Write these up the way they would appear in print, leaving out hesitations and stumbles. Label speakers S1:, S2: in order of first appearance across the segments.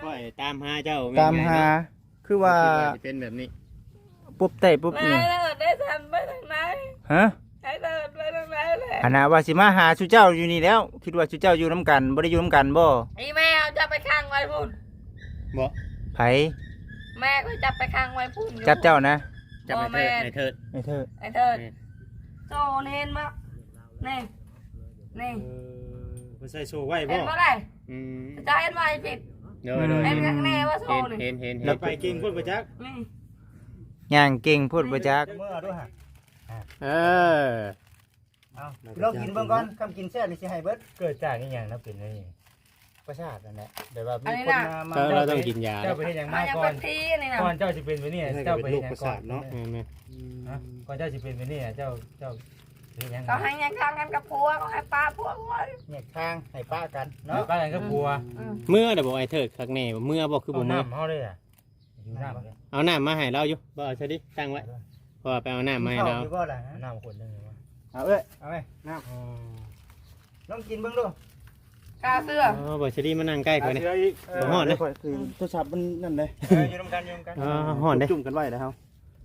S1: ค่อยตามหาเจ้า
S2: ตามหาคือว่า
S1: เป็นแบบนี้
S2: ปุ๊บเตะปุ๊บ
S3: ไม่
S2: นี่
S3: ได้ทันไปทางไหน
S2: ฮะ
S3: ให้เดินไปทางไหนแหละ
S2: อันน่ะว่าสิมาหาชูเจ้าอยู่นี่แล้ว คิดว่าชูเจ้าอยู่น้ำกันบ่ได้อยู่น้ำกันบ่
S3: อีแมวจะไปข้างไว้พุ่น
S1: บ่
S2: ไผ
S3: แม่ก็จับไปข้างไว้พุ่นอยู่
S2: จับเจ้านะ
S1: จะไปเถิดในเถิด
S2: ไอ้เธอ
S3: ไอ้เถิดโซนเห็นมั้ยนี่นี่
S1: มันใส่โซ่ไว้
S3: เห็
S1: บ่
S3: นบ่ได้
S1: อืม
S3: จะเห็นไว้ผิด
S1: เดี๋ยวเดี๋ยว
S3: เห็นข้างแน่ว่าโซ
S1: เห็น
S3: นี่
S1: เห็น
S2: แล้ว
S1: ไปกินพุ่นประจัก
S3: นี่
S2: ย่างเก่งพูดบ่จัก
S4: เมื่อด้วยฮะ
S1: เออ
S4: เอาลองกินเบิ่งก่อนคำกินแซ่บนี่สิให้เบิด
S2: เกิดจากอีหยังนะเป็นนี่ประชาตินั่นแหละแต่ว่ามีคนมา
S1: เราต้องกินยา
S4: เจ้าไปเฮ็ดหยัง
S3: มั
S4: มาน
S3: ยัง
S4: ก่อ
S3: เป็น นทีนี่นะ
S4: ก่อนเจ้าสิเป็นไปนี่เจ้าไป
S1: ลู
S4: เฮ็ด
S1: ก
S4: หยั
S1: ประ
S4: งก่อ
S1: สาน ทเนาะแม่
S4: ฮะก่อนเจ้าสิเป็นไปนี่เจ้าเฮ็ดหยัง
S3: ก็ให้ยังข้างกันกับผัวก็ให้ป้าผัวไว้
S2: เนี่ยทางให้ป้ากัน
S4: เนาะ
S2: เนาะ
S4: ป้ากันก็กลัว
S1: เมื่อเดี๋ยวบอกไอ้เถิดข้างในเมื่อบอกคือ
S4: เอา
S1: บ่เมื่อ
S4: น้ำเฮาเลยอ่ะอยู่น้ำเลย
S1: เอาน้ำมาให้เราอยู่บ่เอาซะดิตั้งไว้เพราะว่าไปเอาน้ำมาให้เรา
S4: อยู่บ่ล่ะน้ำคนนึงวะ
S2: เอาเอ้ย
S4: เอาไหม
S2: น้
S4: ลองกินเบิ่งดู
S3: กาเสื้อ
S1: อ๋อบ่ซะดิมานั่งใกล้ข่อยนี่
S2: ำ
S1: บ่ฮอดเลย
S2: คือโทรศัพท์มันนั่นเลย
S4: อยู่นำกันอยู่นำกัน
S1: อ๋อฮอดเด้
S2: จุ่มกันไว้แล้วเฮา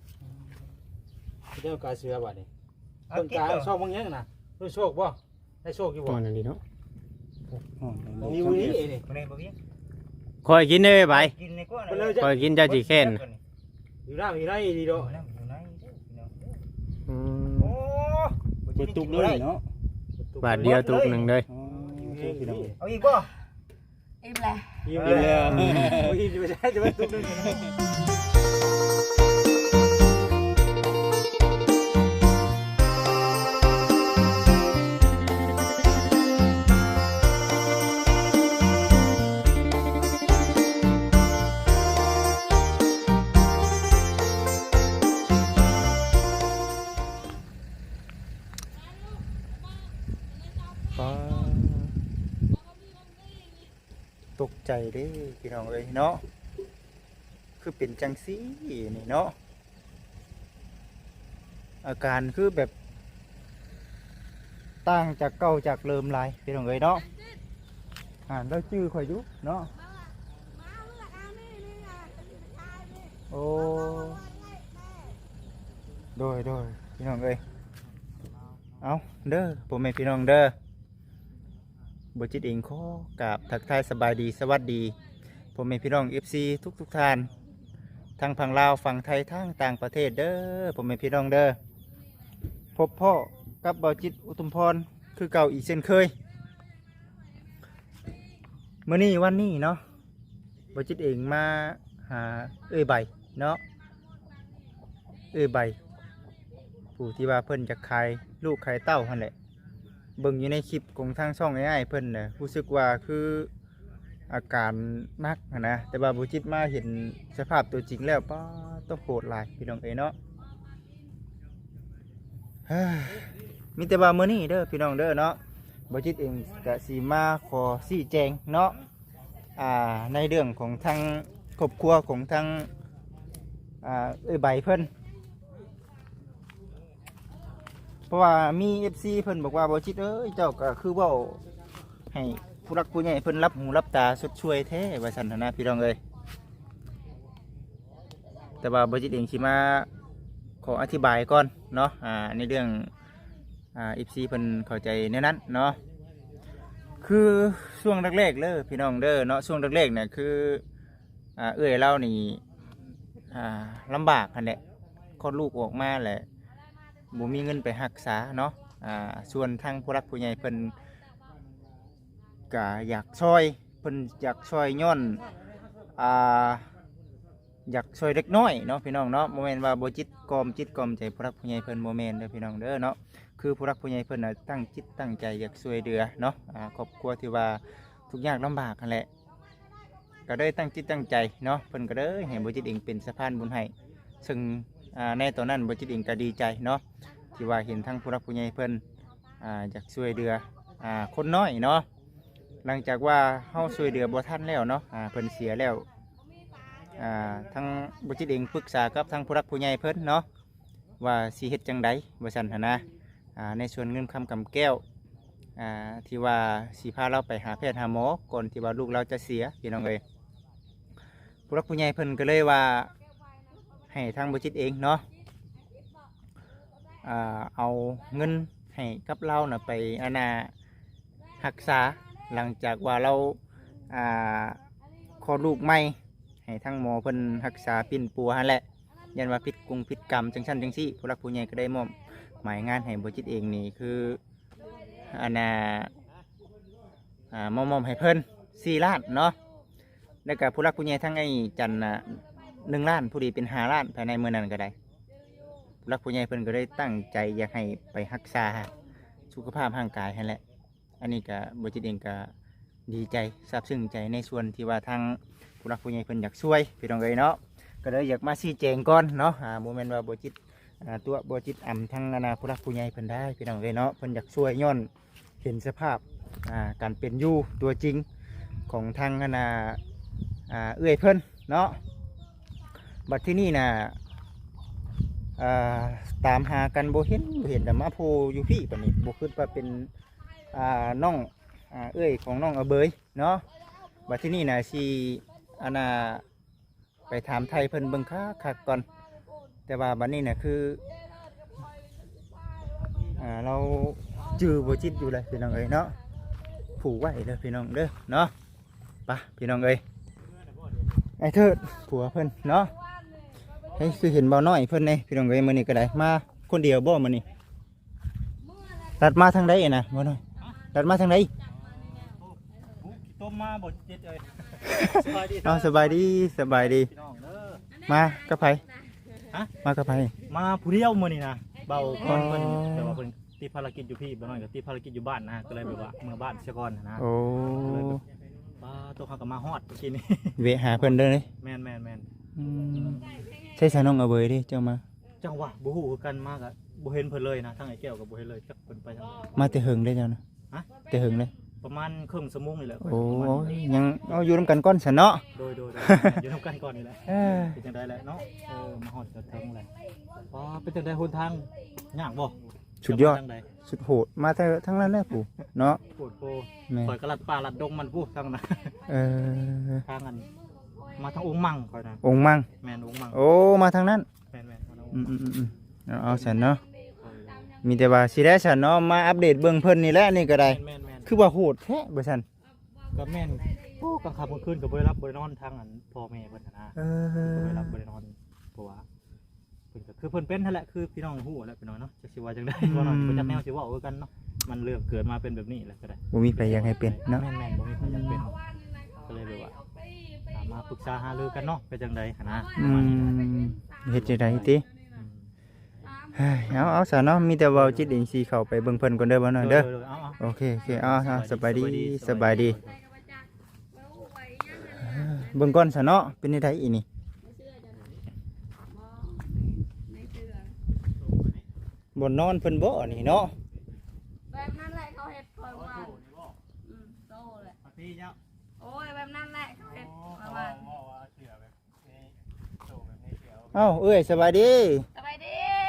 S4: เจ้ากาเสือบัดนี้
S2: เอา
S4: ต้น
S2: กิน
S4: กา
S2: เด้อ
S4: โชคบางอย่างน่ะรู้โชคบ่ได้โชคอยู่
S1: ฮ
S4: บ่
S1: อดนั่นดีเนาะ
S4: มีมื้อนี้นี่มื้อนี้บ่มี
S1: คอยกินเด้อไป
S4: กินในกว่า
S1: คอยกินเจ้าสิแค้น
S4: อยู่น้ำอยู่ไหนดีโดอยู่ไหน
S1: อืม
S4: โอ้
S2: บ่ตุกเลยเนาะ
S1: บาทเดียวตุกหนึงเลย
S2: อ๋อโอเคพี่น้อง
S4: เอาอีกบ่
S3: อิ่มแหละ
S4: กินเลยกินจะไม่ใช่จะไม่ตุ้มนึง
S2: ฟ้าตกใจเด้พี่น้องเอ้ยเนาะคือเป็นจังซี่นี่เนาะอาการคือแบบต่างจากเก่าจากเริ่มหลายพี่น้องเอ้ยเนาะแล้วชื่อข่อยอยู่เนาะโอ้โดยพี่น้องเอ้ยเอาเด้อผมเป็นพี่น้องเด้อบจิตเองขอกราบทักทายสบายดีสวัสดีผมเป็นพี่น้อง FC ทุกท่านทางฝั่งลาวฝั่งไทยทางต่างประเทศเด้อผมเป็นพี่น้องเด้อพบพ่อกับบจิตอุทุมพรคือเก่าอีกเช่นเคยมื้อนี้วันนี้เนาะบจิตเองมาหาใบเนาะใบผู้ที่ว่าเพิ่นจะขายลูกขายเต้าหั่นแหละเบิ่งอยู่ในคลิปของทางช่องง่ายๆเพิ่นน่ะรู้สึกว่าคืออาการหนักหั้นนะแต่ว่าบุจิตมาเห็นสภาพตัวจริงแล้วป้าต้องโหดหลายพี่น้องเอ้ยเนาะเฮ้ยมีแต่ว่ามื้อนี้เด้อพี่น้องเด้อเนาะบุจิตเองก็สิมาขอชี้แจงเนาะในเรื่องของทางครอบครัวของทางใบเพิ่นเพราะว่ามี FC เพิ่นบอกว่าบ่จิตเอ้ยเจ้าก็คือเว้าให้ผู้รักผู้ใหญ่เพิ่นรับหูรับตาสดช่วยแท้ว่าซั่นนะพี่น้องเอ้ยแต่ว่าบ่จิตเองสิมาขออธิบายก่อนเนาะในเรื่องFC เพิ่นเข้าใจในนั้นเนาะคือช่วงแรกๆเลยพี่น้องเด้อเนาะช่วงแรกๆเนี่ยคือเอ้ยเรานี่ลำบากหั่นแหละคลอดลูกออกมาแหละบ่มีเงินไปรักษาเนาะส่วนทางผู้รักผู้ใหญ่เพิ่นก็อยากช่วยเพิ่นอยากช่วยย้อนอยากช่วยเล็กน้อยเนาะพี่น้องเนาะโมเมนต์ว่าบ่จิตกอมใจผู้รักผู้ใหญ่เพิ่นโมเมนต์เด้อพี่น้องเด้อเนาะคือผู้รักผู้ใหญ่เพิ่นน่ะตั้งจิตตั้งใจอยากช่วยเหลือเนาะครอบครัวที่ว่าทุกข์ยากลำบากนั่นแหละก็ได้ตั้งจิตตั้งใจเนาะเพิ่นก็เลยให้บ่จิตเองเป็นสะพานบุญให้ซึ่งในตอนนั้นบ่จิตเองก็ดีใจเนาะที่ว่าเห็นทั้งผู้รักผู้ใหญ่เพิ่นอยากช่วยเหลือคนน้อยเนาะหลังจากว่าเฮาช่วยเหลือบ่ทันแล้วเนาะเพิ่นเสียแล้วทั้งบ่จิตเองปรึกษากับทั้งผู้รักผู้ใหญ่เพิ่นเนาะว่าสิเฮ็ดจังไดว่าซั่นหั่นนะในส่วนเงินคำกำแก้วที่ว่าสิพาเราไปหาแพทย์หาหมอก่อนที่ว่าลูกเราจะเสียพี่น้องเอ้ยผู้รักผู้ใหญ่เพิ่นก็เลยว่าให้ทางบ่จิตเองเนาะเอาเงินให้กับเราน่ะไปรักษาหลังจากว่าเราคลอดลูกใหม่ให้ทั้งหมอเพิ่นรักษาปิ่นปัวหั่นแหละยันว่าผิดกรุงผิดกรรมจังซั่นจังซี่ผู้รักผู้ใหญ่ก็ได้มอบหมายงานให้บ่จิตเองนี่คือมอบให้เพิ่น4 ล้านเนาะแล้วก็ผู้รักผู้ใหญ่ทั้งไอ้จันน่ะ1 ล้านผู้ดีเป็น5 ล้านภายในมื้อนั้นก็ได้ผู้รักผู้ใหญ่เพิ่นก็ได้ตั้งใจอยากให้ไปรักษาสุขภาพร่างกายหั่นแหละอันนี้ก็บ่จิตเองก็ดีใจซาบซึ้งใจในส่วนที่ว่าทางผู้รักผู้ใหญ่เพิ่นอยากช่วยพี่น้องเอ้ยเนาะก็เลยอยากมาชี้แจงก่อนเนาะบ่แม่นว่าบ่จิตตัวบ่จิตอำทั้งผู้รักผู้ใหญ่เพิ่นได้พี่น้องเอ้ยเนาะเพิ่นอยากช่วยย้อนเห็นสภาพการเป็นอยู่ตัวจริงของทางเอื้อยเพิ่นเนาะบัดที่นี่ตามหากันบ่เห็นแต่มาโพอยู่พี่ปานนี้บ่คิดว่าเป็นน้องเอื้อยของน้องอเบยเนาะบัดที่นี่สิไปถามไทยเพิ่นเบิ่งคักก่อนแต่ว่าบัดนี้คือเราจื้อบ่จิตอยู่เลยพี่น้องเอ้ยเนาะผูกไว้เด้อพี่น้องเด้อเนาะไปพี่น้องเอ้ยไอ้เถิดผัวเพิ่นเนาะให้คือเห็นเบาน้อยเพิ่นนี่พี่น้องเอ้ยมื้อนี้ก็ได้มาคนเดียวบ่มื้อนี้ตัดมาทางใดน่ะบ่น้อยตัดมาทางใด
S4: ต้มมาบ่จิตเอ้ย
S2: สบายดี
S4: พี่น้องเด้อ
S2: มากับไผ
S4: ฮะ
S2: มากับไผ
S4: มาผู้เดียวมื้อนี้นะเบาก่อนเพิ่นแต่ว่าเพิ่นติดภารกิจอยู่พี่บ่น้อยก็ติดภารกิจอยู่บ้านนะก็เลยแบบว่าเมื่อบ้านเสียก่อนนะ
S2: โอ้
S4: ตัวเขาก็มาฮอดเมื่อกี้นี้
S2: เวะหาเพิ่นเด้อเลย
S4: แม่น
S2: ใช่สาน้องเอาเบยเด้เจ้ามา
S4: จังหวะบ่ฮู้คือกันมากอะบ่เห็นเพิ่นเลยนะทั้งไอ้แก้วก็บ่เห็นเลยจักเพิ่นไปทางไหน
S2: มาแต่หึงได้เจ้านะ
S4: ฮะ
S2: แต่หึงเลย
S4: ประมาณครึ่งชั่วโมงนี่แหละ
S2: โอ้ยังเอาอยู่นำกันก้อนสันเนาะ
S4: โดยอยู่นำกันก่อนนี่แหละเป็นจังได๋แหละเนาะมาฮอดจะถึงแหละเป็นจังได๋หนทางยากบ่
S2: สุดยอดสุดโหดมาแต่ทั้งนั้นแหละปู่เนาะ
S4: โหดโพ
S2: แม่
S4: ข่อยก็ลัดป่าลัดดงมันพูดทางนั้น ทางนั้นมาทางองค์มั่งข่อยนะ
S2: องค์มั่ง
S4: แม่นองค์มั่ง
S2: โอ้มาทางนั้น
S4: แม่นมาทางองค์มั่ง
S2: เอาสันเนาะมีแต่ว่าสิได้สันเนาะมาอัปเดตเบื้องเพิ่นนี่แหละนี่ก็ได้
S4: แม่น
S2: คือว่าโหดแท้บ่สัน
S4: ก็แม่นกลางค่ำกลางคืนก็บ่ได้รับบ่ได้นอนทางนั้นพ่อแม่เพิ่นนะบ่ได้รับบ่ได้นอนเพราะว่าเพิ่นก็คือเพิ่นเป็นนั่นแหละคือพี่น้องฮู้แหละพี่น้องเนาะจักสิว่าจังได๋บ่น้อยบ่จักแนวสิเว้าคือกันเนาะมันเรื่องเกิดมาเป็นแบบนี้แหละก็ได้
S2: บ่มีใครอยากให้เป็นเนาะ
S4: แม่นบ่มีใครอยากเป็นก็เลยแบบว่ามาปรึกษาหารือกันเนาะเป็นจังได๋หั่นนะ
S2: เฮ็ดจังไดติเอาซะเนาะมีแต่เว้าจิตเองสิเข้าไปเบิ่งเพิ่นก่อนเด้อบ่น้อยเด้อโอเคเอาสบายดีเบิ่งก่อนซะเนาะเป็นจังไดอีนี่บ่นอนเพิ่นบ่นี่เนาะ
S3: แบบนั้นแหละเขาเฮ็ดคอยว่าโตแหละโอ้ยแบบนั้นแหละเขาเฮ็ดคอยว่า
S2: เอ้าเอ้ยสบายดี
S3: สบายดี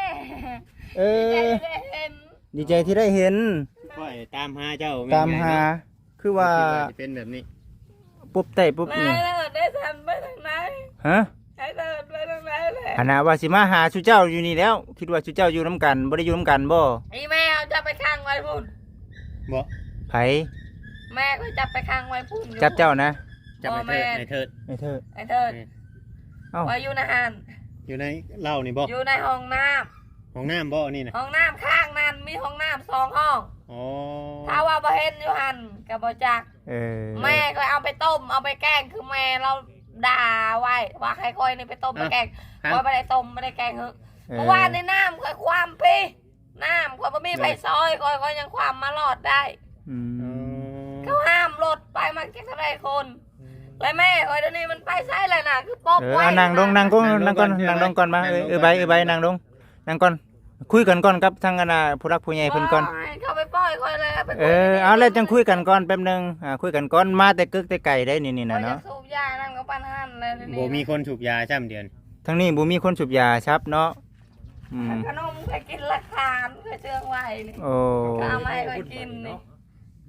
S2: ดีใจที่ได้เห็น
S1: ค่อยตามหาเจ้า
S2: ตามหาคือว่า
S1: จะเป็นแบบนี้
S2: ปุ๊บเตะปุ๊บ
S3: นาย
S2: นี่
S3: เลิศได้ทำไปทางไหน
S2: ฮะ
S3: ให้เลิศไปทางไหนเลย
S2: อันน่ะว่าสิมาหาชูเจ้าอยู่นี่แล้ว คิดว่าชูเจ้าอยู่น้ำกันบ่ได้อยู่น้ำกันบ่
S3: ไอ้แม่เอาจับไปข้างไว้พุ่น
S1: บ่
S2: ไผ
S3: แม่ก็จับไปข้างไว้พุ่น
S2: จับเจ้านะ
S1: จับไอ้เถิด
S2: ไอ้เธอ
S3: ไอ้เถิด
S2: เอ้า
S3: ไว้อยู่ในหัน
S1: อยู่ในเหล้านี่บ่
S3: อยู่ในห้องน้
S1: ของน้ำบ่นี่นะ
S3: ำห้องน้ำข้างนั้นมีห้องน้ำ2 ห้อง
S1: อ๋อ
S3: ถ้าว่าบ่เห็นอยู่หันกับบ่จัก แม่ก็เอาไปต้มเอาไปแกงคือแม่เราด่าไว้ว่าใครค่อยนี่ไปต้มไปแกงค่อยไม่ได้ต้มไม่ได้แกงเหอะเพราะว่าในน้ำค่อยความพี่น้ำค่อยบ่มีไฟซอยค่อยยังความมาหลอดได้เขาห้ามรถไปมันจะเท่าไรคนแล้วแม่ค่อยเดี๋ยวนี้มันไปใช่เลยนะคือป๊อบไว้
S2: นั่งลงนั่งก่อนนั่งก่อนมาใบนั่งลงนั่งก่อนคุยกันก่อนครับทางคณะผู้รักผู้ใหญ่เพิ่นก่อน
S3: เขาไปปล่อยค่อยเลยไป
S2: เอาแล้วจังคุยกันก่อนแป๊บนึงคุยกันก่อนมาแต่กึกแต่ไก่ได้นี่นะเนาะ
S3: สูบยานั่นก็ปันหันเลย
S1: บ่มีคนสูบยาจ้ำเดือน
S2: ทั้งนี้บ่มีคนสูบยาครับเนาะ
S3: ขนมเคยกินราคาเคยเชื่องไว้นี่
S2: โอ้
S3: ก็เอามาให้เคยกินนี่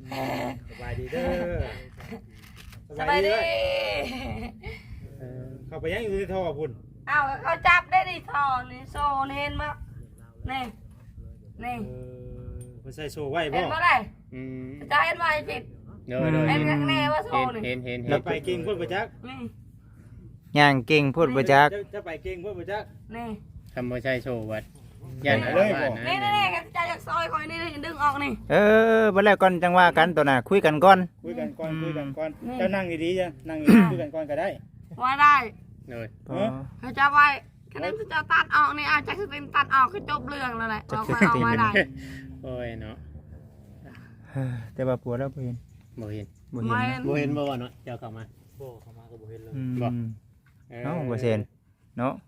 S4: สบายดีเด้อ
S3: สบายดี
S5: เข้าไปยังอยู่ในท่อพุ่น
S3: เอาเขาจับได้ดิทอนี่โซนเห็นมั้ยนี่นี่
S5: เพิ่นใส่โซ่ไว้บ่
S3: เห็นบ่ได้
S1: อืม
S3: จะเห็นว่าผิด
S1: โดยโดย
S3: เห็นข้างในว่าโซนี่
S1: เห็น
S5: จะไปเก่งเพิ่นบ่จัก
S3: นี่
S2: ย่างเก่งพูดบ่จัก
S5: จะไปเก่งเพิ่นบ่จัก
S3: นี่
S1: คำบ่ใช่โชว์วัดยัน
S5: เลย
S1: บ้าน
S3: นี่
S1: นะ
S3: นี่กันจะจากซอยคอยนี่ดึงออกนี่
S2: บ่แล้วก่อนจังว่ากันตัวน่ะคุยกันก่อน
S5: คุยกันก่อน
S3: นี่
S5: เจ้านั่งดีๆจ้ะนั่งดีๆคุยกันก่อนก็ได้
S3: ว่าได้
S1: โดย
S2: พอ
S3: เขาจะไว้คะแนนจะตัดออกนี่อาจจะคือตัดออกคือจบเรื่องแล้วแหละเราค่อยเอามาได้
S1: โอ้ยเนาะ
S2: แต่ว่าปัวแล้วบ่เห็น
S1: บ่เห็น
S2: บ่เห็น
S3: ไม่
S2: เนาะ
S1: บ่เห็นบ่เนาะเจ้าเข้ามา
S4: บ่เข้ามาก็บ่เห็นเลย
S2: อืม
S1: บ่
S2: เนาะบ่เซ็นเนาะ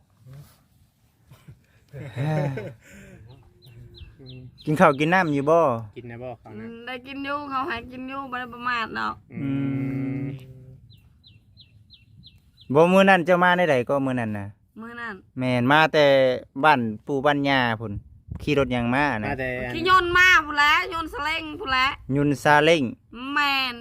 S2: กินข้าวกินน้ำอยู่บ่
S1: กินนะบ่เขานะ
S3: ได้กินอยู่เขาให้กินอยู่ไม่ได้ประมาทเนาะ
S1: อืม
S2: บ่มื้อนั้นเจ้ามาได้ใดก็มื้อนั้นน่ะ
S3: มื้อนั้น
S2: แม่นมาแต่บ้านปู่บ้านย่าพุ่นขี่รถหยังมานะ
S1: มาแต่อัน
S3: ขี้ยนต์มาพุ่นแหล้วโยนต์สเล็งพุ่นแหล้ว
S2: ยุนซาเล้ง
S3: แมน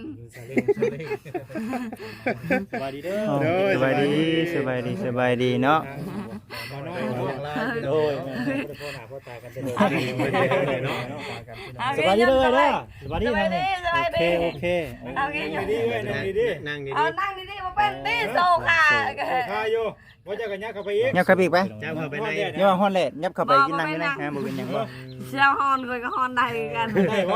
S5: สวัสดีเด้อ
S2: อ๋อสบายดีเนาะ
S5: บ่น้อยโดยแม่พ่อหน้าพ่อตากันจะโดนเนาะ
S4: สบายดีเด้อเด้อสบายดี
S3: สบายดีสบายดี
S4: โอเค
S3: เอาขี้ยนต์
S5: ดีๆเว้ยนั่งดี
S1: นั่งดี
S3: เอานั่งดีๆมาเป็นตีโซค่ะ
S5: ๆข้าอยู่ว่าจะกันยักเข้าไปอีก
S2: ยับเข้าไปอีกไป
S1: ๆเจ้าเข้าไปใน
S2: อย่าว่าฮ้อนแหละยับเข้าไปกินนั่งอยู่นะฮะบ่เป็นหยังบ่
S3: เชี่ยวฮอนคุยกับฮอนได้กัน
S5: ได้บ่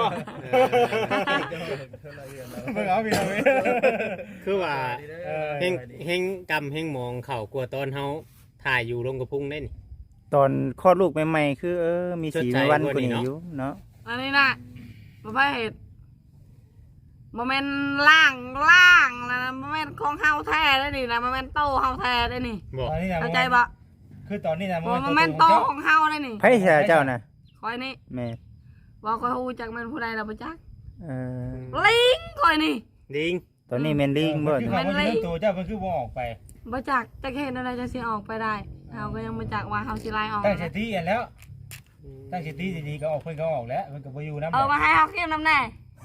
S5: เบิ่งเอาพี่น้อง
S1: คือว่าเฮงกำเฮงมองเข่ากลัวตอนเฮาถ่ายอยู่ลงกระพุ้งได้นี่
S2: ตอนคลอดลูกใหม่ๆคือมีสี
S1: ชดใช้
S2: มีวัน
S1: กว่านี้
S2: กว่านี้
S1: เนาะ
S2: อยู่เนาะ
S3: อันนี้นะบ่ไปเห็ดบ่แม่นล่างแล้วนะบ่แม่นของเฮาแท้ได้นี่นะบ่แม่นโตเฮาแท้ได้นี่
S1: บ่
S5: ตอนนี้นะ
S3: เข้าใจบ่
S5: คือตอนนี้นะ
S3: บ่แม่นโตของเฮาได้นี่
S2: ไผเสียเจ้าน่ะ
S3: คอยนี่
S2: แม่
S3: ว่าคอยฮู้จักแม่นผู้ใดล่ะบ่จัก
S2: เออ
S3: ลิงคอยนี่
S1: ดิง
S2: ตอนนี้แม่นลิงบ่
S5: คือเขาเรื่องตัวเจ้ามันคือบ่ออกไป
S3: บ่จักจักเห็นอะไรจะสิออกไปได้เฮาก็ยังบ่จักว่าเฮาสิไล่ออก
S5: ตั้งสติอันแล้ว ตั้งสติดีๆก็ออกเพิ่นก็ออกแล้วเพิ่นก็บ่อยู่นำ
S3: มาให้เฮากินน้ำแน่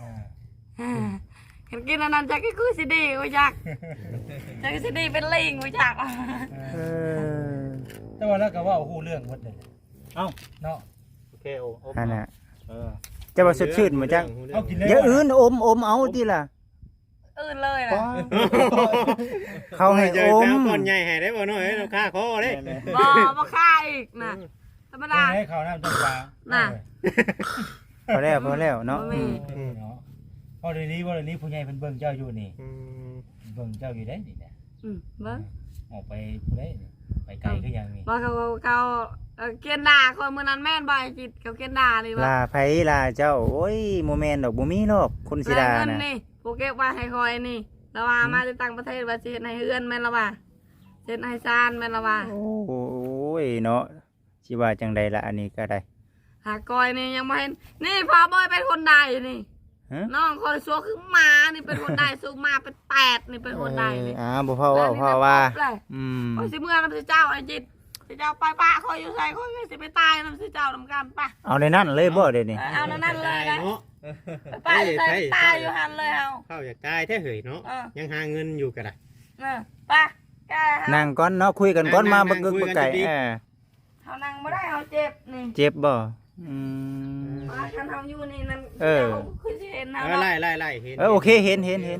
S3: เห็นกินอันนั้นจักคือสิดีบ่จักจักสิดีเป็นลิงบ่จัก
S2: เออ
S5: แต่ว่าแล้วก็ว่าฮู้เรื่องหมดเลย
S4: เอ้า
S5: เนาะ
S4: โอเคโอ้
S2: อันน่ะ
S4: เออ
S2: จะว่าสดชื่นบ่จัง
S5: เอากินเลย
S2: อย่าอื่นอมเอาติล่ะ
S3: อื่นเลยล่ะ
S2: เขาให้
S1: เจ
S2: อ
S1: อ
S2: ม
S1: แป้วก่อนใหญ่ให้ได้บ่น้อยเราฆ่าคอเด้
S3: บ่ฆ่าอีกน่ะธรรมดา
S5: ให้เขาน้ำจังหวะ
S3: น่ะ
S2: พอแล้วเนาะ
S3: บ่มี
S5: เนาะพอเดี๋ยวนี้ผู้ใหญ่เพิ่นเบิ่งเจ้าอยู่นี่
S1: อืม
S5: เบิ่งเจ้าอยู่ได้นี่นะ
S3: เบิ่ง
S5: ออกไปผู้ใดไปไกลคือหยังนี่
S3: บ่เขาเกณฑ์ด่าคนมื้อนั้นแม่นบ่จิตเขาเกณฑ์ด่านี่บ่
S2: ลาไผลาเจ้าโอ้ยบ่แม่นดอกบ่มีหรอกคนสิด่า
S3: เงิน
S2: น่ะ
S3: นี่ผู้เก็บไว้ให้คอยนี่แล้วว่ามาจากต่างประเทศว่าสิเฮ็ดให้เฮือนแม่นละว่าเฮ็ดให้ซานแม่นละว่า
S2: โอ้ยเนาะสิว่าจังใดล่ะอันนี้ก็ได้
S3: หากอยนี่ยังบ่เห็นนี่พ่อบอยเป็นคนใดนี่
S2: ฮะ
S3: น้องคอยซัวคือหมานี่เป็นคนใดซูหมาเป็นแปดนี่เป็นคนใดนี่
S2: บ่พอว่าพอว่าอืม
S3: คอยสิเมื่อนำสิเจ้าไอ้จิตสิเจ้าไปปะคอยอยู่ใส่คอยสิไปตายนำสิเจ้านำกันปะ
S2: เอาในนั้นเลยบ่เดี๋ยวนี้
S3: เอานั่นเลยนะ
S1: เนาะ
S3: ไปอยู่ใส่ตายอยู่หันเลยเอา
S1: เข้าอยากตายแท้เหยเนาะยังหาเงินอยู่ก็ได้
S3: ปะแก
S2: นั่งก่อนเนาะคุยกันก่อนมาบ่
S1: นั่ง
S2: กึก
S1: คุ
S2: บ่
S1: ยกัน
S2: ไก่
S1: ดีๆ
S3: เขานั่งบ่ได้เขาเจ็บนี่
S2: เจ็บบ่อืม
S3: ว่าคันเฮาอยู่นี่นั่น
S2: เออ
S3: จ้าคือสิเห็นเฮา
S1: ไล่
S3: เนาะ
S1: ไล่เห็น
S2: โอเคเห็น
S1: โอเคอยู่
S3: นี่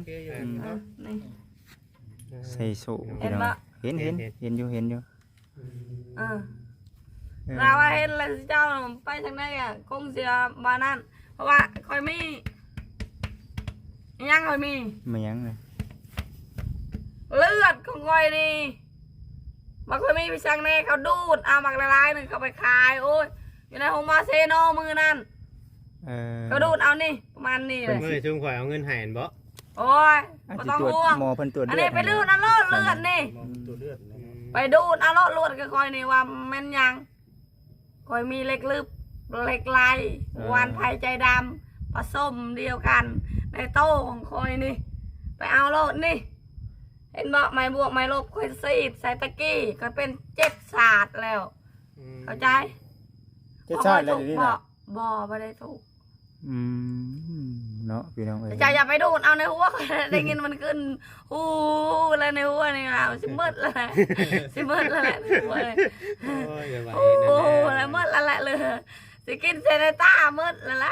S2: ใส่สู
S3: เห็นปะ
S2: เห็นอยู่
S3: เออเราว่าเห็นแล้วสิเจ้าไปทางไหนอ่ะคงเสียบ้านนั้นเพราะว่าคอยมียังคอยมี
S2: ไม่ยังเลย
S3: เลือดของคอยนี่บางคอยมีไปช่างแน่เขาดูดเอาบักละลายหนึ่งเขาไปขายโอ้ยอยู่ในโฮมาเซโนมือนั่นเขาดูดเอานี่ประมาณนี้เลย
S1: เมื่อช่วงข่อยเอาเงินให้บ่
S3: โอ้ย
S2: อาจ
S3: ไม่
S2: จะ
S3: ต้อง
S2: ตรวจ
S3: ห่วง
S2: หมอเพิ่นตรวจ
S3: อัน
S2: เลือ
S3: นี้
S2: ด
S3: ไปดูดเอาเลือดนี่
S5: ตัวเลือด
S3: ไปดูดเอาเลือดก็คอยนี่ว่าแม่นยังคอยมีเล็กลึบเล็กลายวันไผ่ใจดำผสมเดียวกันในโต้ของคอยนี่ ไปเอาโลดนี่ เห็นบอกไม่บวกไม่ลบคอยซีดใส่ตะกี้ก็เป็น7 ศาสตร์แล้ว เข้าใจ
S5: จะชาติแล้วเดี๋ยวนี้นะ
S3: บ่ไม่ได้ถูก
S2: อืมเนาะพี่น้องเอ้ย
S3: จะอย่าไปดูดเอาในหัวได้ยินมันขึ้นฮู้แล้วในหัวนี่เอาสิมืดแล้วแหละสิมืดแล้วแหละโอ้ย
S1: โอ้ยอย่าไหว
S3: โอ้
S1: นั่นแหละ
S3: แล้วมืดแล้วแหละเลยสิกินเซนต้ามืดแล้ว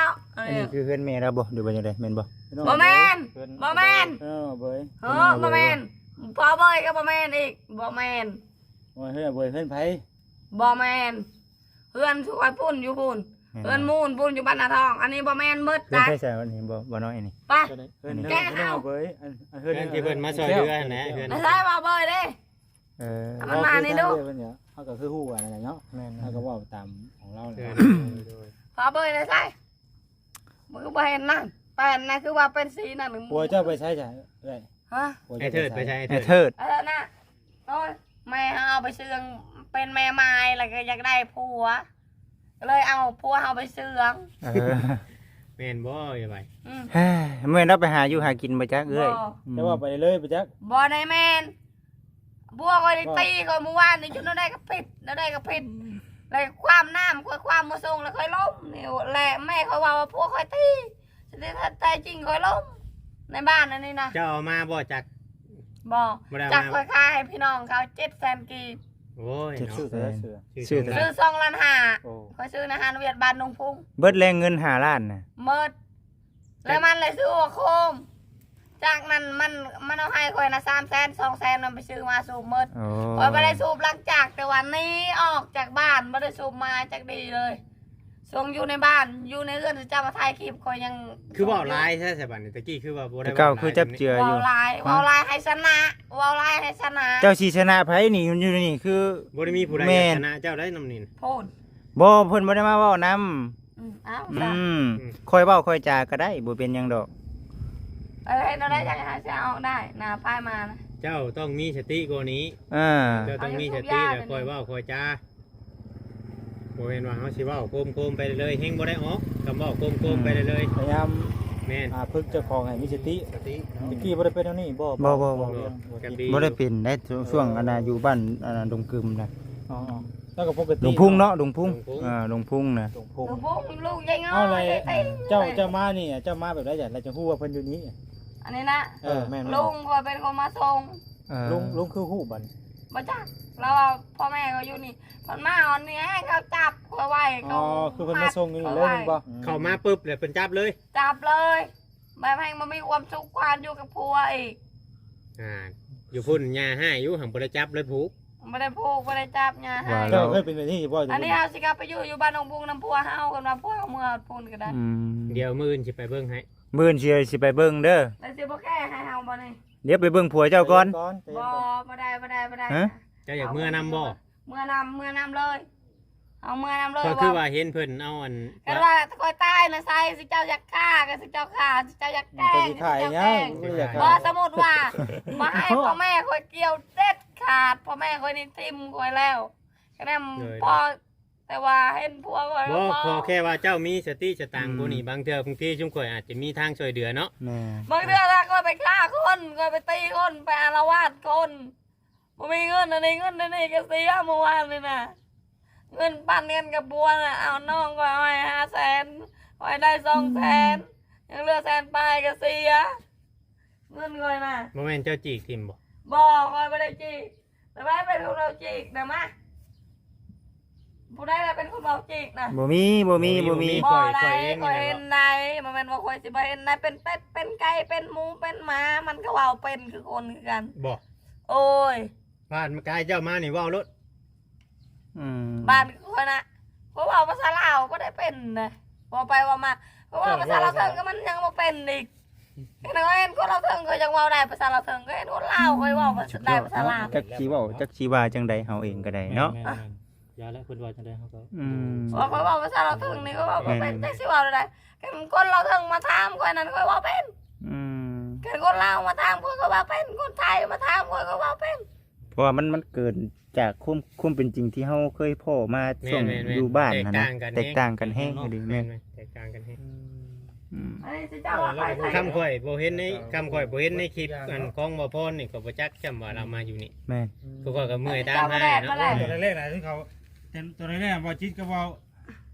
S2: อันนี้คือเพื่อนแม่เราบ่หรือว่าจังไดแม่นบ่
S3: บ่แมนบ่แมน
S5: เบย
S3: บ่แมนพอเบยก็บ่แมนอีกบ่แมน
S5: โอ้ยเฮ้ยเบยเพื่อนไผ
S3: บ่แมนเพื่อนช่วยพุ่นอยู่พุ่นเพื่อนมูนพุ่นอยู่บ้านนาทอง อันนี้บ่แมนมืด
S2: เพื่อน
S3: นะ
S2: ใช่ใช่อันนี้บ่น้อยนี่
S3: ไป
S5: เพื่อนเบย
S1: เพื่อนที่เพิ่นมาซอยเดือนะเพื่อน
S3: ไม่ใช่บ่เบยเด้ มันมานี่ดู
S5: เขาก็คือฮู้อะไรเนาะแม่นเขาก็เว้าตามของเรา
S1: เพื่อน
S3: พอเบยเลยใช่มึงก็บ่เห็นนั่นเป็นนะคือว่าเป็นสีนั่นหนึ่ง
S5: ปัวเจ้าไปใช้จ้ะเอ้ย
S3: ฮะ
S1: ไอ้เถิดไปใช่
S2: ไอ้
S1: ไอ้เถิ
S2: เทิ
S1: ด
S2: ด
S3: น่ะโอ้ยแม่เอาไปเชื่องเป็นแม่ไม้แล้วก็อยากได้ผัวก็เลยเอาผัวเอาไปเชื่อง
S1: แม่นบ่อย่าไหว
S2: เฮ้ยเมื่อเราไปหาอยู่หากินมาจักเอ้ย
S5: แต่ว่าไปเลยไปจัก
S3: บ่ได้แม่นบัวก็ได้ตีก็เมื่อวานนี่จุดนั้นได้ก็ผิดแล้วได้ก็ผิดเลยความน้ำค่อยความมาส่งแล้วค่อยล้มนี่แหละแม่เขาว่าผัวค่อยตีแต่ถ้าใจจริงค่อยล้มในบ้านนั่นนี่นะ
S1: เจ้าเอามาบ่จาก
S3: บ่
S1: บ่ได้
S3: จาก
S1: มา
S3: ค่อยขายให้พี่น้องเขา700,000กีบ
S1: โอ้ย
S5: ชื่อ
S1: เนาะ
S5: เสือ
S2: ชื่อแต่
S3: ซื้อ2 ล้าน
S5: โอ้
S3: 5ค่อยซื้อในฮานเวียดบ้านดงพุ่ง
S2: เบิดแรงเงิน5ล้านน่ะ
S3: เมิดแล้วมันเลยซื้อหัวโคมจากนั้นมันเอาให้ค่อยนะ300,000 200,000มันไปซื้อมาสูบเมิด
S2: โอ้
S3: ค่อยไม่ได้สูบหลังจากแต่วันนี้ออกจากบ้านไม่ได้สูบมาจากดีเลยส่งอยู่ในบ้านอยู่ในเรือนจะมาถ่ายคลิปค่อยยัง
S1: คือว่าลายใช่ใช่บัดนี้ตะกี้คือว่าบ่ได้
S2: แต่เก่าคือจับเจืออ
S3: วา
S2: ยู่
S3: วลายวาวลายให้ชนะวาวลายให้ชนะ
S2: เจ้าชีชนะไผนี่อยู่นี่คือ
S1: บ่ได้มีผู้ใด
S2: แม่น
S1: ชนะเจ้าได้นำนิน
S3: พูด
S2: บ่เพิ่นบ่ได้มาเว้านำ
S3: อ้าว
S2: อืมค่อยเว้าค่อยจาก็ได้บ่เป็นหยังดอก
S3: อะไรเราได้ยังไงจะเอาได้นาป้ายมานะ
S1: เจ้าต้องมีสติกว่านี้
S2: อ่า
S1: เจ้าต้องมีสติแล้วคอยเว้าคอยจาบ่แม่นว่าเฮาสิเว้าโกมๆไปเลยๆเฮงบ่ได้ออกคำเว้าโกมๆไปเลย
S5: พยายาม
S1: ๆแม่น
S5: ฝึกเจ้าของให้มีสติ
S1: สติ
S5: ตะกี้บ่ได้เป็นเท่านี้บ่
S1: กันดี
S2: บ่ได้เป็นได้ช่วงอันน่ะอยู่บ้านอันน่ะดงกึมน่ะ
S5: อ๋อแล้วก็ปกติ
S2: ดงพุ่งเนาะดงพุ่งดงพุ่งน่ะ
S5: ดงพุ่ง
S3: ลูกพวกลูกยังไง
S5: เอาอะไรเจ้ามานี่เจ้ามาแบบไรจ้ะเราจะฮู้ว่าเพิ่นอยู่นี้
S3: อันนี้นะ
S5: แม่น
S3: ลุงก็เป็นคนมาส่ง
S5: ลุงคือฮู้บัน
S3: มาจากเราพ่อแม่เขาอยู่นี่คนมาอ่อนนี่ให้เขาจับเขาไว้
S5: อ๋อคือเพิ่นมาส่งนี่เลยมึงบ่
S1: เข้ามาปุ๊บเลยเพิ่นจับเลย
S3: จับเลยแบบให้มันมีความสุขความอยู่กับผัวอีก
S1: อยู่พุ่นยาให้อยู่หังบ่ได้จับเลยผูก
S3: ไม่ได้พูกไม่ได้จับเนี่ยให้
S5: เจ้าเคยเป็นแบบนี้บ่
S3: อันนี้เอาสิครับไปอยู่บ้านองบุงน้ำพัวเฮากันมาพัวเอาเมื่อพูนก็ได้
S1: เดี๋ยวมื้ออื่นสิไปเบิ่งให้
S2: มื้อนี้สิไปเบิ่งเด้อ
S3: แต่สิบ่แก้ให้เฮาบ่นี่
S2: เดี๋ยวไปเบิ่งผัวเจ้าก่อน
S3: บ่ได้
S2: ฮะ
S1: เจ้าอยากเมื่อนำบ่
S3: เมื่อนำเลยเอาเมื่อนำเลย
S1: ก็คือว่าเห็นเพิ่นเอาอัน
S3: กันว่าคอยตายนะใส่สิเจ้าอยากฆ่ากันสิเจ้าฆ่าสิเจ้าอยากแกล้ง
S5: ขาย
S3: สิเจ้า
S5: ยั
S3: แกล้
S5: ง
S3: ง
S5: ไม่อยาก
S3: บ่สมมุติว่ามาให้พ่อแม่คอยเกี่ยวเด็ดขาดพ่อแม่คอยนี่ทิ่มคอยแล้วก็ได้พอแต่ว่าเห็นผัวคอย
S1: บ่พอแค่ว่าเจ้ามีสติสตางค์บ่นี่บางเทื่อบางทีชุมข่อยอาจจะมีทางช่วยเหลือเนาะ
S2: แม่
S3: บางเดือนคอยไปฆ่าคนคอยไปตีคนไปอาละวาดคนบ่มีเงินอันนี้ก็เสียเมื่อวานเลยนะเงินปั่นเงินกับบัวน่ะเอาน้องก็เอาให้500,000คอยได้200,000ยังเหลือ100,000ปลายก็เสียเงินคอยน่ะ
S1: บ่แม่นเจ้าจีกทิมบ่
S3: บอกคอยไม่ได้จีกแต่ไม่เป็นคนเราจีกนะมาผู้ได้เป็นคนเราจีกนะ
S2: บ่มี
S3: บ่ได้คอยเห็นได้มันเป็นว่าคอยสิบ่เห็นได้เป็นเป็ดเป็นไก่เป็นหมูเป็นหมามันก็ว่าเป็นคือคนคือกัน
S1: บ่
S3: โอ้ย
S1: ผ่านกายเจ้ามานี่เว้ารถ
S3: บ้านคนน่ะเพราะว่าภาษาลาวก็ได้เป็นนะพอไปว่ามาเพราะว่าภาษาลาวเถิงก็มันยังบ่เป็นอีกเห็นเห็นคนเราเถิงก็ยังเว้าได้ภาษาลาวเถิงก็เห็นคนลาวก็เว้าได้ภาษาลาว
S2: จักสิเว้าจักสิว่าจังใดเฮาเองก็ได้เนาะ
S4: ยาและเพิ่นว่าจังได๋เฮาก็
S3: ว่าคอยว่าภาษาเราเถิงนี่ก็ว่าเป็นแต่สิเว้าได้คนเราเถิงมาถามคอยนั้นคอยว่าเป็นคนลาวมาถามคอยก็ว่าเป็นคนไทยมาถามคอยก็ว่าเป็น
S2: เพราะว่ามันเกิดจากความเป็นจริงที่เฮาเคยพ่อมาช่วงอยู่บ้านนะนะแตกต่างกันแห้งดีแม่น
S1: แตกต่างกันแฮง
S3: อันนี้สิเจ้าว่าไปไทย
S1: คำข่อยบ่เห็นในคำข่อยบ่เห็นในคลิปอันของบ่พรนี่ก็บ่จักจำว่าเรามาอยู่นี่
S2: แม่น
S1: พวกก็เมื่อยตามให้เนาะ
S5: ตัวแรกๆที่เขาตัวแรกๆว่าจิตก็ว่า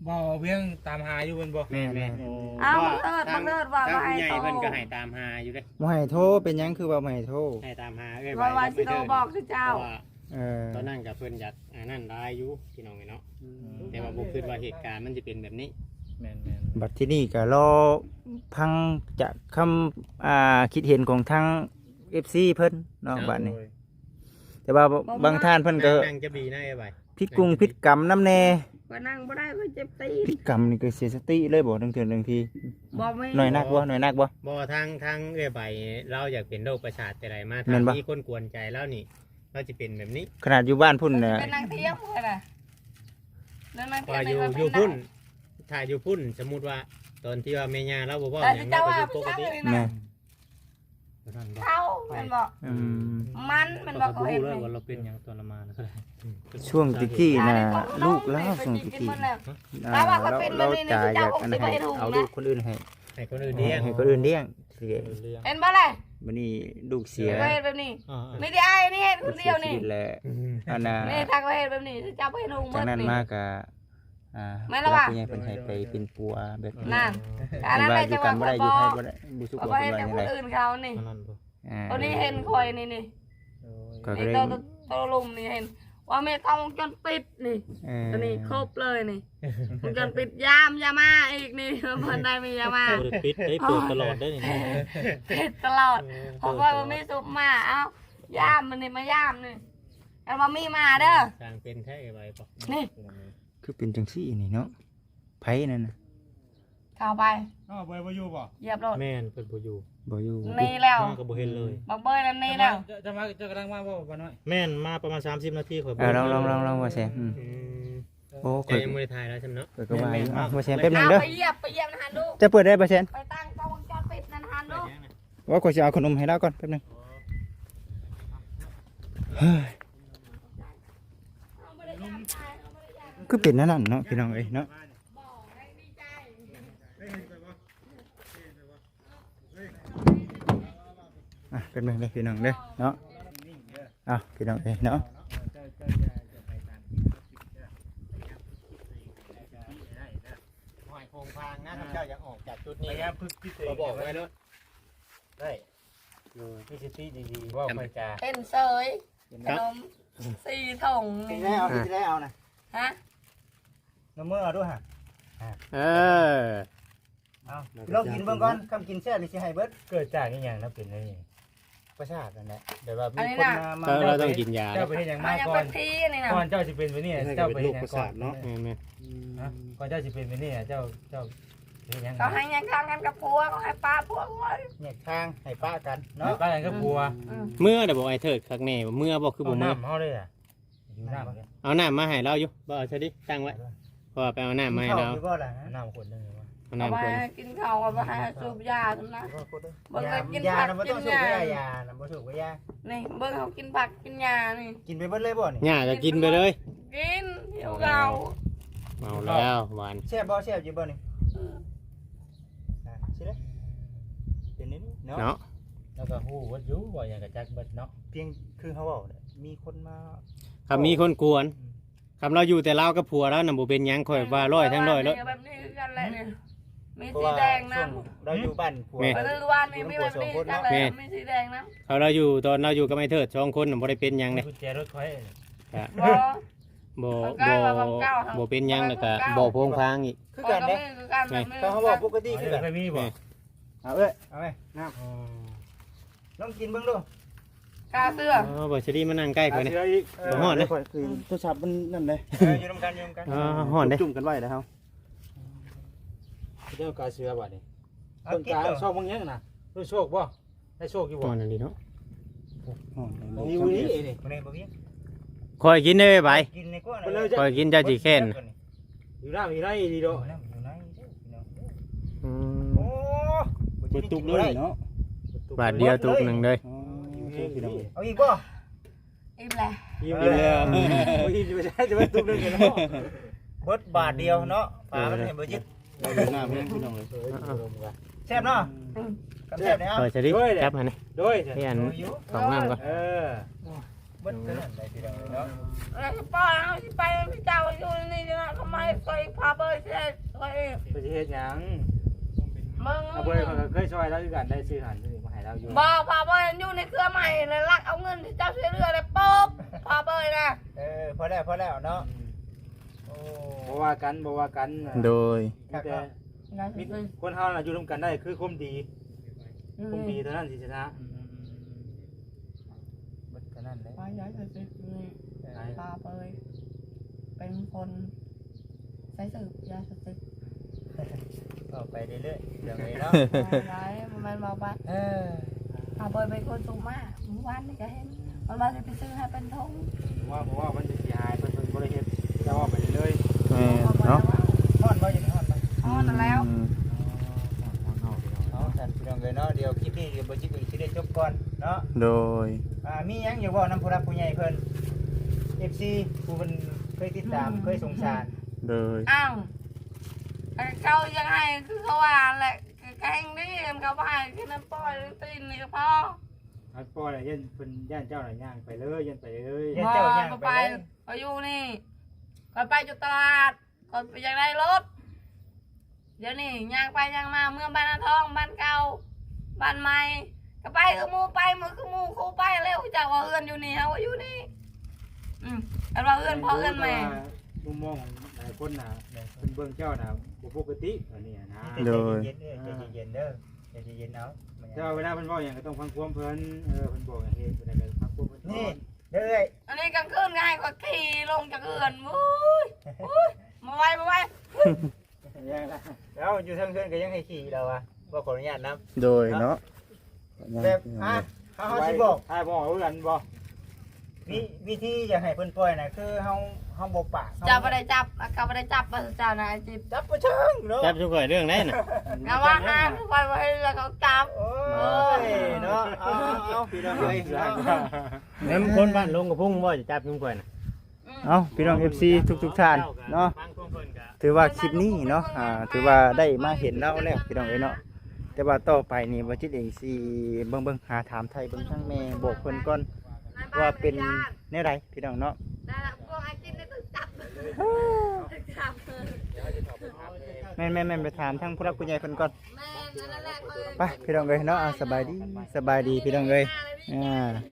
S5: บ่เวียงตามหาอยู่เพิ่นบ่
S1: แม่น
S3: เอาบังเอิญว่า
S1: ทาง
S3: ให้
S1: ผู้ใหญ่
S3: โต
S1: เพิ่นก็ให้ตามหาอยู่เด้
S2: บ่ให้โทรเป็นหยังคือว่าบ่ให้โทร
S1: ให้ตามหาเอ้ย
S3: ว่าสิโตบอกคือเจ้า
S1: ว่า ตอนนั้นกับเพิ่นอยากนั่นได้อยู่พี่น้องเนาะแต่ว่าบ่คิดว่าเหตุการณ์มันจะเป็นแบบนี้
S4: แม่น
S2: บัดที่นี่ก็รอพังจะคำคิดเห็นของทาง FC เพิ่นเนาะบัดนี้ แต่ว่าบางท่านเพิ่นก็
S1: นั่งจะบีนะไอ้ใบ
S2: พิษกรุงพิษกรรมน้ำแน่
S3: ก็นั่งบ่ได้ก็เจ็บตีน
S2: พิษกรรมนี่ก็เสียสติเลยบ่ทั้งเทื่อทั้งที
S3: บ่มี
S2: หน่อยนักบ่หน่อยนักบ่
S1: บ่ทางเอ้ยใบเราอยากเป็นโรคประสาทแต่ไรมา
S2: แม่
S1: ทาง
S2: นบ่
S1: มีคนกวนใจแล้วนี่เราจะเป็นแบบนี้
S2: ขนาดอยู่บ้านพุ่นน่ะ
S3: เป็นนางเทียมเลยน่ะนางเทีย
S1: ว่าม อยู่พุ่นถ้าอยู่พุ่นสมมุติว่าตอนที่ว่าแม่ย่าเราบ่เว้า
S3: แต่
S1: หยัง
S3: เจ้า
S1: เรา
S3: ว่า
S1: ก็อยู่ปกติ
S3: เลย
S2: แม่
S3: นะเขาเป็นบอก
S2: อืม
S3: มันเป็นบอกเขาเห็น
S4: เล
S3: เลย ย
S4: ว่าเราเป็นหยังตอนละมานะ
S2: ช่วงตะกี้น่ะลูกแล้วช่วงตะกี้เราจ่ายอยากอันให้เอาลูกคนอื่นให้
S1: ให้คนอื่นเลี้ยง
S2: ให้คนอื่นเลี้ยงเสีย
S3: เห็นบ่เลย
S2: บัดนี้ลูกเสีย
S3: ก็เห็นแบบนี้ไม่ได้ไอ้นี่เห็นคนเดียวนี่
S2: สีชีวิตแล้วอันน่ะ
S3: นี่ทางก็เห็นแบบนี้เจ้าไปเห็นหุง
S2: จากนั้น
S3: นี่
S2: มาก็ผู้ใหญ่เพิ่นให้ไปเป็นปัวแบบนี้
S3: นั่นอันนั้น
S2: ว่า
S3: ได้
S2: อยู่
S3: จังห
S2: กั
S3: วะ
S2: น
S3: ค
S2: บ่
S3: น
S2: ได้
S3: บ
S2: อยู่
S3: อ
S2: ให้
S3: ก
S2: บ่ได้บ่สุข
S3: เอา
S2: ว่า
S3: ไป
S2: เพิ่
S3: เห็
S2: น
S3: น
S2: ว่า
S3: แต่
S2: จังได
S3: คนอื่นเขานี่ ตัวนี้เห็นคอยนี่นี่
S2: ก็
S3: ไอ้
S2: เลย
S3: ตัวลุมนี่เห็นว่าแม่ต้องวงจรปิดนี่ ตัวนี้ครบเลยนี่วงจรปิดยามยามาอีกนี่เพิ่นได้มียามา
S4: เปิดปิดได้เปิดตลอดได้นี่
S3: ปิดตลอดเพราะว่ามันมีซุปมาเอ้ายามมันนี่มายามนี่แล้วมันมีมาเด้อ
S1: สร้างเป็นแท้ไอ้ใบปอก
S3: นี่
S2: คือเป็นจังซี่นี่เนาะไผนั่นน่ะ
S3: เข้าไป
S5: อ้าวบ่อยู่บ่
S3: เหยียบรถ
S4: แม่นเพิ่นบ่อยู่
S2: บ่อยู่
S3: นี่แล้ว
S4: มาก็บ่เห็นเลย
S3: บักเบยนั่นนี่แล้ว
S5: จะมาจะกำลังมาบ่บ่น้อย
S4: แม่นมาประมาณ30นาทีข่อย
S2: ลองว่าแซมโอ้
S1: ใจ
S2: ข่อย
S1: ยังไม่ได้ถ่ายแล้วใช่ไหมเนาะ
S2: ข่อยก็ว่าอยู่ว่าแซมแป๊บนึง
S3: เอา
S2: เด้อ
S3: ไปเหยียบนะฮันดู
S2: จะเปิดได้บ่แซม
S3: ไปตั้งกล้องวงจรปิดนั่นฮันดู
S2: ว่าข่อยสิเอาขนมให้แล้วก่อนแป๊บนึงเฮ้ยคือเป็นนั่นเนาะพี่น้องเอ้ยเนาะเป็นไงเลยพี่น้องเด้อเนาะพี่น้องเอ้ยเนาะ
S1: หอยโคงพางนะท่านเจ้าอยากออกจากจุดนี้นะเราบอกไว้เนาะ
S5: ได้มีสติดีๆว่าค่อยจะ
S3: เป็นเสยขนม4ถุงนี่
S2: ได้เอานะ
S3: ฮะ
S5: น้ำมือเอาด้วยฮะ
S1: เออ
S5: เอา
S2: ลองกินเบิ่งก่อนคำกินแซ่บนี่สิให้เบิด
S5: เกิดจากอีหยังนะเป็นนี่
S2: ประสาทนั่นแหละเดี๋ยวว่ามี
S3: อันนี้
S2: คน
S3: น่ะ
S2: มา
S1: เราต้องกินยา
S5: เจ้าไปเฮ็ดหยัง
S3: มั
S5: มาน
S3: ยัง
S5: ก่อ
S3: เป็น นทีนี่นะ
S5: ก่อนเจ้าสิเป็นไปนี่เจ้าไปเฮ็ดหยังก่อน
S1: แม่
S5: ก่อนเจ้าสิเป็นไปนี่เจ้าเฮ็ดหยัง
S3: เขาให้ยังข้างกันกับผัวเขาให้ป้าผัวไว้
S2: เนี่ยทางให้ป้ากัน
S5: เนาะ
S2: เนาะ
S5: ป้ากันก็บัว
S1: เมื่อเดี๋ยวบอกไอ้เถิดคักแน่เมื่อบอกคือบ่เมื่อ
S5: น้ำเฮาเลยอ่ะอยู่น้ำเลย
S1: เอาน้ำมาให้เราอยู่บ่เอาใช่ดิตั้งไว้พอไปเอาน้ำมาให้เรา
S2: อยู่บ่ล่ะ
S5: น้ำคนนึงวะ
S1: เอา
S3: เอา
S1: น้ำ
S3: ไป
S1: คน
S3: กินข้าวเอาไปให้สูบยาทำนะ เบิ่งเลยกิน
S2: ยา
S3: ผัก
S2: นะบ่ต้อง
S3: กิ
S2: สู
S3: น
S2: บ
S3: ยา
S2: ยานะบ่สูบยา
S3: นี่เบิ่งเขากินผักกินยานี่
S2: กินไปเบิดเลยบ่นี่
S1: หญ้าก็กินไปเลย
S3: กินเดี๋ยวเรา
S1: เอาแล้วหวาน
S2: แซ่บบ่แซ่บอยู่บ่นี่สิเด้เป็นนี่เนาะ
S1: เนาะ
S5: แล้วก็ฮู้ว่าอยู่ว่าอย่างกับจักเบิดเนาะ
S2: เพียงคือเขาเว้าเนี่ยมีคนมา
S1: คำมีคนกวนคำเราอยู่แต่เรากับผัวแล้วน่ะบ่เป็นหยังข่อยว่าร้อยทั้งร้อยแล้ว
S3: แบบนี้คือกันแหละเนี่ยมี
S2: เพราะ
S3: สี
S2: ว่า
S3: แดงนะ
S2: ช่วงเราอยู่บ้านผัว
S3: ไปดูวันนี้มีแบบนี้กันเลยมีสีแดงนะ
S1: เขาเราอยู่ตอนเราอยู่กับไอ้เถิด2คนน่ะบ่ได้เป็นหยังเลย
S5: กุญแจรถค่อย
S3: บ่
S1: บ่เป็นหยังแล้วก็บ่โพงพางอีก
S2: คือกันเด้
S3: คือกันแบบนี้
S2: เขาบอกปกติ
S5: นี่
S2: คือ
S5: คื
S2: กัน
S5: ไม่มีบ่
S2: เอาเอ้ยเอาไปน้ำลองกินเบิ่งดู
S3: กาเสื้อ
S1: อ๋อบ่สิดีมานั่งใกล้ข่อยนี่ บ่ฮอดเลย
S2: คือโทรศัพท์มันนั่นเลยอยู่นำกันอยู่นำกัน
S1: อ๋อฮอดเด้
S2: จุ่มกันไว้แล้วเฮา
S5: เจ้ากาเสือบ่นี่
S2: เอา
S5: ต้น
S2: กิน
S5: กา
S2: เด้อ
S5: โชคบางอย่างน่ะรู้โชคบ่ได้โชคอยู่
S1: ฮ
S5: บ่
S1: อดนั่นดีเนาะ
S5: มีวันนี้นี่
S2: บ่ได้บ่มี
S1: ข่อยกินได้ไป
S2: กินในกว่า
S1: ข่อยกินเจ้าสิแค้น
S5: อยู่น้ำอยู่ไรดีโด
S2: อยู่ไหนเด้อพี่น้อง
S1: อืม
S2: โอ้บ่ตุกเลยเนาะ
S1: บาทเดียวตุกหนึงเลย
S2: เอาอีกบ่
S3: อิ่มแหละ
S5: ยิ้มเลยยิ้มไม่ใช่จะไม่ตุ้มเลยเนาะ
S2: เบิดบาทเดียวเนาะฝามันให้บ่ยึด
S5: หน้าเพื่อนพี่น้องเลย
S2: แซ่บเนาะกับแซ่บแล้ว
S1: ข่อยสิดิจับให้นี่
S5: โดย
S1: ให้อันของน้ำก่อน
S5: เออ
S2: เบิดเท่านั้นได้พี่น้องเนาะ
S3: แล้วก็ปล่อยเอาสิไปพี่เจ้าอยู่นี่นะทำไมเคยพาเบอร์เช็ดเคย
S5: ไปเฮ็ดหยัง
S3: มึง
S5: เอาเบอร์เขาเคยช่วยแล้วคือกันได้ซื้อหันนี่มาให้เราอยู่
S3: บอกพาเบอร์อยู่ในเครือใหม่เลยลักเอาเงินที่เจ้าช่วยเหลือเลยปุ๊บพาเบอร์นะ
S2: พอแล้วเนาะโอ้
S5: บ่ว่ากัน
S2: โดย
S5: มีแต่มีคนเฮาน่ะอยู่ร่วมกันได้คือความดีเท่านั้นสิชนะ
S2: เบิดเท่านั้นเลย
S3: พาย้ายไปสิพาเบอร์เป็นคนใช้สืบยาสติ
S2: ต่อไปเรื่อยๆอย่างนี้เนาะ
S3: ร้ายมันมาบ้าน พาเบอร์เป็นคนสูงมากเมื่อวานนี่ก็เห็นมันมาจะไปซื้อให้เป็นทง
S5: เพราะว่ามันจะเสียหายเพิ่นบ่ได้เฮ็ดจะว่าไปเรื่อย
S2: เนาะ
S3: อ๋อนั่นแล้ว
S2: เอาท่านพี่น้องเลยเนาะเดี๋ยวคลิปนี้เดี๋ยวบ่จิกสิได้จบก่อนเนาะ
S6: โดย
S2: มีหยังอยากเว้านำผู้รักผู้ใหญ่เพิ่น FC ผู้เพิ่นเคยติดตามเคยสงสาร
S6: โดย
S3: อ้าวเขายังไงคือเขาว่าแหละแกงนี่เขาว่าคือน้ำปล่อยตีนนี่ก็พอ
S5: ๆอัดปอน่ะยันเพิ่นย่านเจ้าน่ะย่างไปเลยยันไปเลย
S3: พอเขาไปเขาอยู่นี่เขาไปจุดตลาดเขาไปยังได้รถเดี๋ยวนี้ย่างไปย่างมาเมืองบ้านนาทองบ้านเก่าบ้านใหม่ก็ไปคือมูไปมือคือมูคู่ไปเร็วจากว่าเอื้อนอยู่นี่เขาว่าอยู่นี่แต่ว่าเอื้อนพ่อเอื้อนแม่
S5: มุมมองของหลายคนน่ะเพิ่นเบิ่งเจ้าน่ะบ่ปกติอันนี้นะ
S2: ใจเย็นๆใจเย็นๆเด้อใจเย็นๆเอา
S5: แต่ว่าเวลาเพิ่นเว้าหยังก็ต้องฟังความเพิ่นเพิ่นบอกอย่างเฮ็ดเพิ่นก็ฟังความเพิ่น
S2: นี่เด้อ
S3: อันนี้กลางคืนก็ให้ก็ขี่ลงจากเอื้อนมุ้ยมาไว้
S2: แล้วอยู่ทางเพื่อนก็ยังให้ขี่เราอ่ะบ่ขออนุญาตนำ
S6: โดยเนาะ
S2: แบบเฮาสิบอก
S5: ให้บอกเพื่อนบ่
S2: วิธีอยากให้เพิ่นปล่อยน่ะคือเฮาบ่ปาก
S3: จับไม่ได้จับก็ไม่ได้จับมาเจ้านายจิบ
S2: จับบ่เชิงเนาะ
S1: จับชุกเรื่องได้น่ะ
S3: เอาว่าห้ามไปไว้แล้วเขาจับ
S2: โอ้ยเนาะเอาพี่น้องเอ้ย
S1: แล้วคนบ้านลงกับพุ่งบ่จะจับยุ่งกว่าน่ะ
S6: เอ้าพี่น้อง FC ทุกท่านเนาะถือว่าคลิปนี้เนาะถือว่าได้มาเห็นเราแล้วพี่น้องเอ้ยเนาะแต่ว่าต่อไปนี่บ่จิตเองสิเบิ่งหาถามไทยเบิ่งทางแม่บอกเพิ่นก่อนว่าเป็นแนวใดพี่น้องเนาะ
S3: ได้ละพวกไอ้กินได้ตึกจับจับ
S6: แม่นไปถามทางผู้รักผู้ใหญ่เพิ่นก่อน
S3: แม่นั่นแหละ
S6: ไปพี่น้องเอ้ยเนาะสบายดีพี่น้องเอ้ย